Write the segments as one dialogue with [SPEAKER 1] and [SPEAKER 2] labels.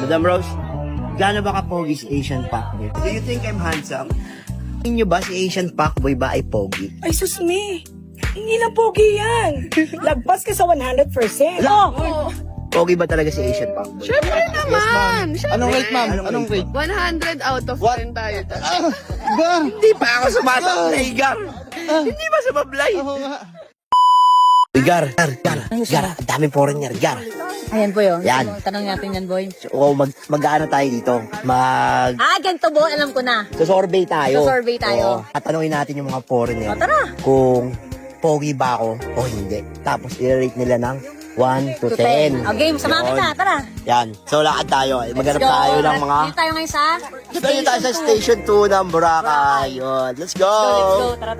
[SPEAKER 1] Madam Rose, gaano ba ka-pogi si Asian Fuckboy? Do you think I'm handsome? Tingin nyo ba si Asian Fuckboy ba ay pogi?
[SPEAKER 2] Ay, sus me. Hindi na pogi yan. Lagpas ka sa 100%. Oh!
[SPEAKER 1] Pogi ba talaga si Asian Fuckboy?
[SPEAKER 3] Siyempre naman!
[SPEAKER 4] Anong rate, ma'am? Anong rate?
[SPEAKER 3] 100 out of 10 tayo.
[SPEAKER 1] Hindi pa ako sumasablay, Gar. Hindi ba sumablay?
[SPEAKER 4] Oo nga.
[SPEAKER 1] Gar, ang daming foreigner, Gar.
[SPEAKER 5] Ayan po yun.
[SPEAKER 1] Yan.
[SPEAKER 5] Tanong natin yan, boy.
[SPEAKER 1] O mag-ano tayo dito?
[SPEAKER 5] Ganito bo, alam ko na.
[SPEAKER 1] Survey tayo.
[SPEAKER 5] Survey tayo.
[SPEAKER 1] Oo. At tanungin natin yung mga foreigner.
[SPEAKER 5] O, tara.
[SPEAKER 1] Kung pogi ba ako o hindi. Tapos i-rate nila ng 1 to 10.
[SPEAKER 5] O, game, samahan kita, tara.
[SPEAKER 1] Yan. So lakad tayo. Maghanap tayo ng mga...
[SPEAKER 5] Dito tayo ngayon sa...
[SPEAKER 1] Dito tayo sa Station 2 ng Boracay. Yun. Let's go!
[SPEAKER 5] Let's go. Tara.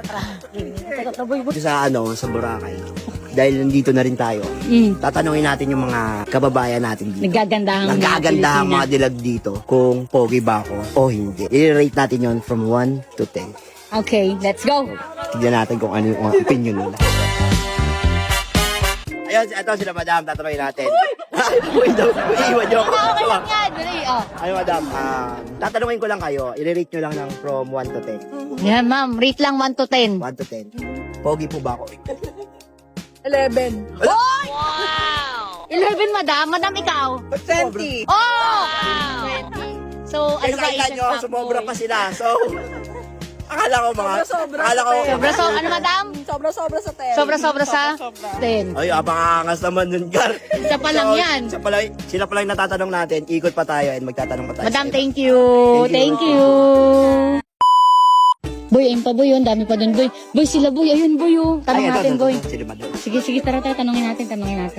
[SPEAKER 1] Sa Boracay. Dahil nandito na rin tayo. Tatanungin natin yung mga kababayan natin dito.
[SPEAKER 5] Nagagandahang
[SPEAKER 1] mga dilag dito kung pogi ba ako o hindi. I-rate natin yon from 1 to 10.
[SPEAKER 5] Okay, let's go.
[SPEAKER 1] Tignan natin kung ano yung mga opinion nila. Ayun, ito sila madam, tatanungin natin. Uy, iiwan nyo ako.
[SPEAKER 5] Okay lang yan, dali.
[SPEAKER 1] Ay, madam, tatanungin ko lang kayo. I-rate nyo lang ng from 1 to 10.
[SPEAKER 5] Yan, ma'am. Rate lang 1 to 10.
[SPEAKER 1] 1 to 10. Pogi po ba ako?
[SPEAKER 2] 11.
[SPEAKER 5] Wow! 11, madam. Madam, ikaw.
[SPEAKER 2] 20.
[SPEAKER 5] Oh! 20. So, ano ba
[SPEAKER 1] Kaya nyo, sumobra pa sila. So, akala ko mga...
[SPEAKER 2] Sobra-sobra
[SPEAKER 1] Akala ko...
[SPEAKER 5] So, ano, madam?
[SPEAKER 2] Sobra-sobra sa 10.
[SPEAKER 5] Sobra-sobra sa 10.
[SPEAKER 1] Ay, abangangas naman nun, Gar.
[SPEAKER 5] Isa pa lang yan.
[SPEAKER 1] Sila pa lang natatanong natin. Ikot pa tayo and magtatanong pa tayo.
[SPEAKER 5] Madam,
[SPEAKER 1] sa iba.
[SPEAKER 5] thank you. Thank you. Boy, ayun pa boy, yun. Dami pa dun, boy. Boy, sila boy. Ayun, boy, oh. Tanong
[SPEAKER 1] Ay, ito,
[SPEAKER 5] natin,
[SPEAKER 1] ito,
[SPEAKER 5] boy.
[SPEAKER 1] ito, sila madam.
[SPEAKER 5] Sige, tara. Tanongin natin.
[SPEAKER 1] Ano natin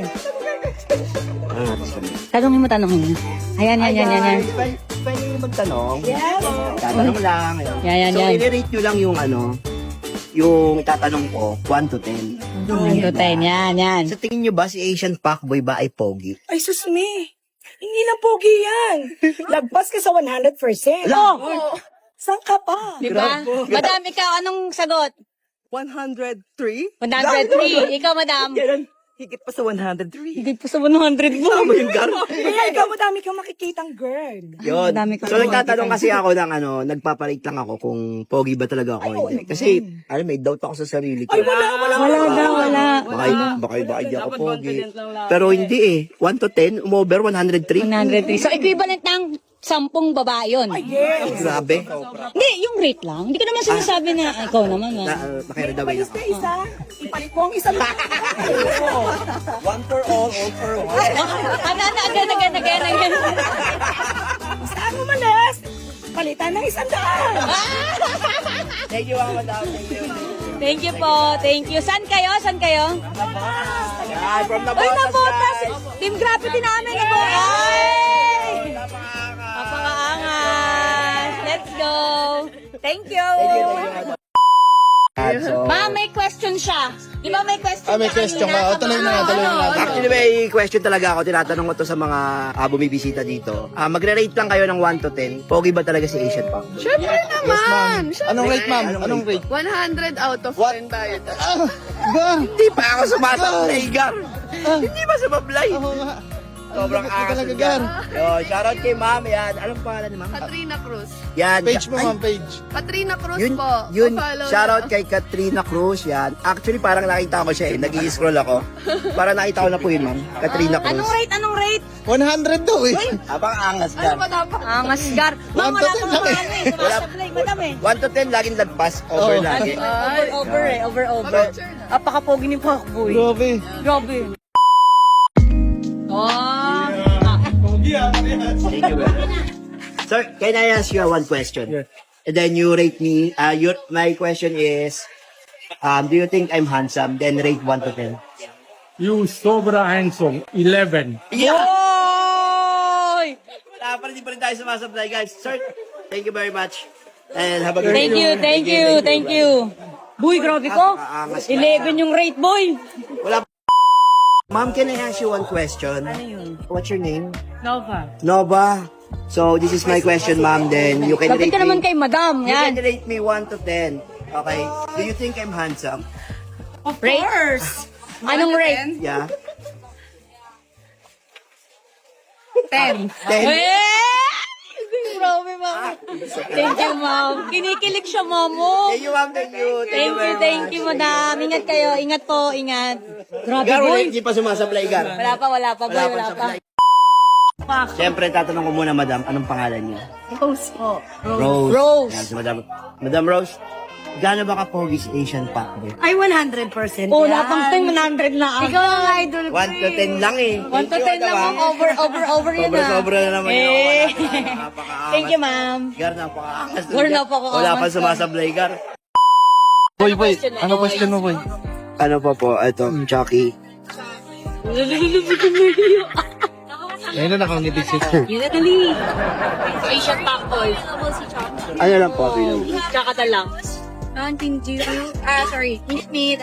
[SPEAKER 1] sila?
[SPEAKER 5] Tanongin mo. Ayan.
[SPEAKER 1] Pwede yung magtanong. Yes. Tatanong lang.
[SPEAKER 5] Yan.
[SPEAKER 1] So, i-rate nyo lang yung yung itatanong ko, 1 to 10.
[SPEAKER 5] 1 to 10. Yan.
[SPEAKER 1] Sa tingin nyo ba si Asian Fuckboy ba ay pogi?
[SPEAKER 2] Ay, sus me. Hindi na pogi yan. Lagpas ka sa 100%. Oh! Saan ka pa?
[SPEAKER 5] Diba? Madam, ikaw, anong sagot?
[SPEAKER 2] 103?
[SPEAKER 5] 103. Ikaw, madam.
[SPEAKER 2] Higit pa sa 103.
[SPEAKER 5] Hindi po sa 100 mo.
[SPEAKER 1] Tama yung Gar.
[SPEAKER 2] Kaya ikaw, madami kang makikitang girl.
[SPEAKER 1] Yun.
[SPEAKER 5] Dami ko
[SPEAKER 1] So, nagtatanong kasi ako ng nagpaparate lang ako kung pogi ba talaga ako. Hindi. Kasi, may doubt ako sa sarili ko.
[SPEAKER 5] Wala.
[SPEAKER 1] Baka hindi ako pogi. Pero hindi eh. 1 to 10, umover 103.
[SPEAKER 5] 103. So, equivalent ng 10 babae yun.
[SPEAKER 1] Grabe.
[SPEAKER 5] Hindi, yung rate lang. Hindi ko naman sinasabi na, ikaw naman.
[SPEAKER 1] Nakiradaway
[SPEAKER 2] Ipalis
[SPEAKER 1] ako.
[SPEAKER 2] na isa. Ipalit mo ang isa.
[SPEAKER 1] One for all for one.
[SPEAKER 5] Again.
[SPEAKER 2] Saan mo malas? Palitan ng 100.
[SPEAKER 1] Thank you, madam. Thank you.
[SPEAKER 5] Thank you po. Thank you. Saan kayo?
[SPEAKER 1] Yan, from the
[SPEAKER 5] Ay,
[SPEAKER 1] Botas,
[SPEAKER 5] nabotas.
[SPEAKER 1] guys.
[SPEAKER 5] Team Graffiti namin. Ay! Napakaangas. Let's go. Thank you.
[SPEAKER 1] So,
[SPEAKER 5] Ma'am, may question siya. Di ba may question
[SPEAKER 4] May question ka. O, tuloy na natin.
[SPEAKER 1] actually, may question talaga ako. Tinatanong ko to sa mga bumibisita dito. Magre-rate lang kayo ng 1 to 10. Pogi ba talaga si Asian Fuckboy?
[SPEAKER 3] Siyempre naman!
[SPEAKER 4] Anong rate, ma'am? Anong rate?
[SPEAKER 3] 100 out of 10 tayo.
[SPEAKER 1] Hindi pa ako sumasablay, Gar. Hindi ba sumablay?
[SPEAKER 4] Oo nga.
[SPEAKER 1] Sobrang
[SPEAKER 4] Ang
[SPEAKER 1] angas
[SPEAKER 4] talaga,
[SPEAKER 1] ng Gar.
[SPEAKER 4] Gar.
[SPEAKER 1] Yo, shoutout kay ma'am. Yan. Anong pangalan ni ma'am?
[SPEAKER 3] Katrina Cruz.
[SPEAKER 1] Yan.
[SPEAKER 4] Page mo,
[SPEAKER 1] Ay,
[SPEAKER 4] ma'am, page.
[SPEAKER 3] Katrina Cruz
[SPEAKER 1] Yun,
[SPEAKER 3] po.
[SPEAKER 1] yun.
[SPEAKER 3] Pa-follow
[SPEAKER 1] Shoutout
[SPEAKER 3] na.
[SPEAKER 1] kay Katrina Cruz. Yan. Actually, parang nakita ko siya eh. Nag-i-scroll ako. Parang nakita ko na po yun, ma'am. Katrina Cruz.
[SPEAKER 5] Anong rate?
[SPEAKER 4] 100 daw eh.
[SPEAKER 1] Abang angas,
[SPEAKER 3] Ano
[SPEAKER 1] Gar.
[SPEAKER 3] ba dapat?
[SPEAKER 5] Angas, Gar. Ma'am, wala
[SPEAKER 4] 1 to 10
[SPEAKER 5] pang
[SPEAKER 4] lang eh.
[SPEAKER 5] ano eh. Sumasablay, madam eh.
[SPEAKER 1] 1 to 10, laging lagpas. Over
[SPEAKER 4] Oo.
[SPEAKER 1] lagi.
[SPEAKER 5] Over.
[SPEAKER 3] Picture na.
[SPEAKER 5] Apakapogi ni Pakboy.
[SPEAKER 4] Grabe.
[SPEAKER 5] Grabe. Oh.
[SPEAKER 1] Thank you, Gar. Sir, can I ask you one question?
[SPEAKER 4] Yeah.
[SPEAKER 1] And then you rate me. My question is, do you think I'm handsome? Then rate 1 to 10.
[SPEAKER 6] You sobra handsome, 11.
[SPEAKER 1] Yeah!
[SPEAKER 5] Oy!
[SPEAKER 1] Wala pa rin, di pa rin tayo sumasablay, guys. Sir, thank you very much. And have a good
[SPEAKER 5] Thank you. Boy, grabe ko.
[SPEAKER 1] Napakaangas.
[SPEAKER 5] 11 yung rate, boy.
[SPEAKER 1] Wala pa. Ma'am, can I ask you one question? Ano yun? What's your name?
[SPEAKER 5] Nova.
[SPEAKER 1] Nova. So, this is my question, ma'am. Then, you can
[SPEAKER 5] Lapit
[SPEAKER 1] rate
[SPEAKER 5] ka naman
[SPEAKER 1] me.
[SPEAKER 5] kay madam.
[SPEAKER 1] You can
[SPEAKER 5] Yan.
[SPEAKER 1] rate me 1 to 10. Okay? Do you think I'm handsome?
[SPEAKER 2] Of
[SPEAKER 5] Rate?
[SPEAKER 2] course.
[SPEAKER 5] Anong rate?
[SPEAKER 1] Yeah?
[SPEAKER 5] 10. Grabe, ma'am. Thank you, ma'am. Kinikilig siya, mamo.
[SPEAKER 1] Thank you, ma'am. Thank you.
[SPEAKER 5] Thank you, madam. Ingat kayo. Ingat po, ingat. Grabe,
[SPEAKER 1] Gar,
[SPEAKER 5] boy.
[SPEAKER 1] hindi pa sumasablay, Gar.
[SPEAKER 5] Wala pa, boy. Wala pa.
[SPEAKER 1] Siyempre, tatanong ko muna, madam, anong pangalan niya?
[SPEAKER 2] Rose po.
[SPEAKER 1] Rose.
[SPEAKER 5] Rose.
[SPEAKER 1] Yan, si Madam. Madam Rose, gaano ba ka-pogi si Asian Pacboy?
[SPEAKER 2] Ay, 100%
[SPEAKER 5] Oh,
[SPEAKER 2] yan.
[SPEAKER 5] lahat ng 100 na.
[SPEAKER 2] Ikaw ang idol ko.
[SPEAKER 1] 1 to 10 lang eh.
[SPEAKER 5] 1 to 10 lang, ma'am. Over yun na.
[SPEAKER 1] Sobra na naman yun.
[SPEAKER 5] Eh.
[SPEAKER 1] Napakaangas.
[SPEAKER 5] Thank you, ma'am.
[SPEAKER 1] Gar, napakaangas.
[SPEAKER 5] Gar, napakaangas.
[SPEAKER 1] Wala pa sumasablay, Gar.
[SPEAKER 4] Boy, ano question mo, boy?
[SPEAKER 1] Ano pa po? Ito, Chucky.
[SPEAKER 4] Ayun na nakangiti si
[SPEAKER 5] Yun na dali. Asian Pacboy.
[SPEAKER 1] Ano lang po, Pino?
[SPEAKER 5] Tsaka na lang.
[SPEAKER 3] Sorry. Meet.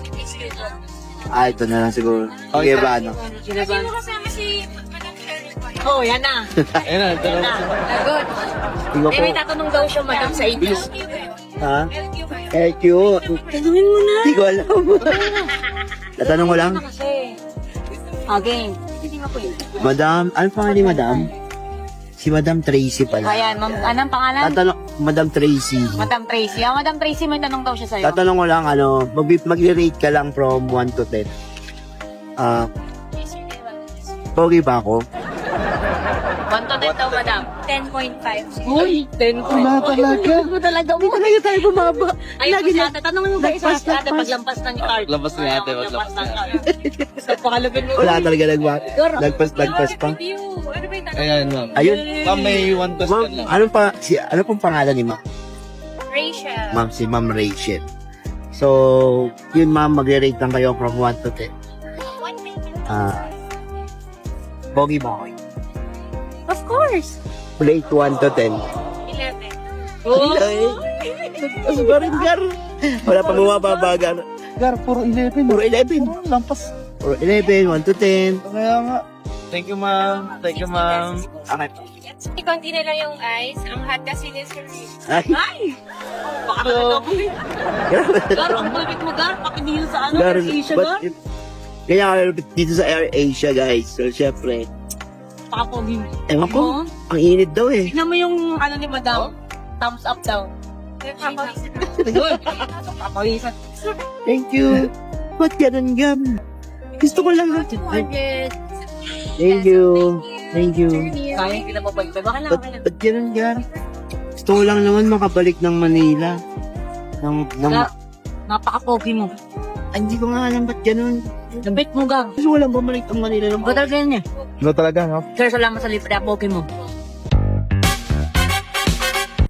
[SPEAKER 1] Ito na lang siguro. Okay ba, ano?
[SPEAKER 5] Oh, yan na.
[SPEAKER 4] Ayun na, ito na.
[SPEAKER 5] Lagot.
[SPEAKER 1] Tingnan po.
[SPEAKER 5] May tatanong daw siya, madam, sa inyo.
[SPEAKER 1] Ha? LQ.
[SPEAKER 5] Tanungin mo na.
[SPEAKER 1] Hindi ko alam. Tatanong ko lang.
[SPEAKER 5] Kasi. Again. Hindi nga po yun.
[SPEAKER 1] Madam, ano pangalan ni Madam? Si Madam Tracy pala.
[SPEAKER 5] Ayan, ma'am. Anong pangalan?
[SPEAKER 1] Tatanong, Madam Tracy.
[SPEAKER 5] Madam Tracy. Ah, Madam Tracy, may tanong daw siya sa'yo.
[SPEAKER 1] Tatanong ko lang, ano, mag-rate ka lang from 1 to 10. Pogi ba ako?
[SPEAKER 5] 1 to 10 daw, madam. 10.5. Uy, 10.
[SPEAKER 4] Wala talaga.
[SPEAKER 5] Hindi talaga. Hindi talaga tayo bumaba. Ay, lagi na. Tanongin mo ba isa? Ate, paglampas ng card.
[SPEAKER 4] Lampas ni ate,
[SPEAKER 5] Lampas ng card. So, pakalapin mo.
[SPEAKER 1] Wala talaga nagpas pa.
[SPEAKER 4] Ayan, ma'am.
[SPEAKER 1] Ayun.
[SPEAKER 4] Ma'am, may one
[SPEAKER 1] Ma'am,
[SPEAKER 4] question lang.
[SPEAKER 1] ano pong pangalan ni Ma'am?
[SPEAKER 3] Rachel.
[SPEAKER 1] Ma'am, si Ma'am Rachel. So, yun ma'am, magre-rate lang kayo from 1 to 10. Pogi ba ako?
[SPEAKER 5] Of course.
[SPEAKER 1] Rate 1 to 10.
[SPEAKER 3] 11.
[SPEAKER 5] Oh.
[SPEAKER 1] Tapos ba rin, Gar? Wala pa bumababa, Gar.
[SPEAKER 4] Gar, puro 11.
[SPEAKER 1] Puro 11.
[SPEAKER 4] Lampas.
[SPEAKER 1] Puro 11, 1 to 10.
[SPEAKER 4] Kaya nga. Thank you, ma'am. Thank you, ma'am.
[SPEAKER 1] Okay.
[SPEAKER 3] Ikonti na lang yung ice. Ang hot kasi ni Sir.
[SPEAKER 1] Ay,
[SPEAKER 5] Baka na ako eh.
[SPEAKER 1] grabe.
[SPEAKER 5] Gar, ang bulbit mo, Gar. Pakidilo sa ano,
[SPEAKER 1] Gar,
[SPEAKER 5] Asia,
[SPEAKER 1] but
[SPEAKER 5] Gar.
[SPEAKER 1] kaya kami dito sa Air Asia, guys. So, syempre,
[SPEAKER 5] Pakapogi mo.
[SPEAKER 1] ewan ko,
[SPEAKER 5] Oo.
[SPEAKER 1] ang init daw eh.
[SPEAKER 5] Tignan mo yung ano ni madam. Thumbs up daw. Papawisan.
[SPEAKER 1] Thank you. Ba't ganun, Gam? Gusto ko lang.
[SPEAKER 3] 200.
[SPEAKER 1] Thank you. Thank you.
[SPEAKER 5] Kaya kita pa balik. Baka lang, okay lang.
[SPEAKER 1] Ba't ganun, Gar? Gusto ko lang naman makabalik ng Manila.
[SPEAKER 5] Gar, napaka-pogi mo.
[SPEAKER 1] Ay, hindi ko nga alam ba't ganun.
[SPEAKER 5] Labit mo, Gar.
[SPEAKER 1] Gusto ko lang bumalik ng Manila ng
[SPEAKER 5] Ba talaga yan eh.
[SPEAKER 4] Ano talaga, no?
[SPEAKER 5] Sir, salamat sa libre. Pogi mo.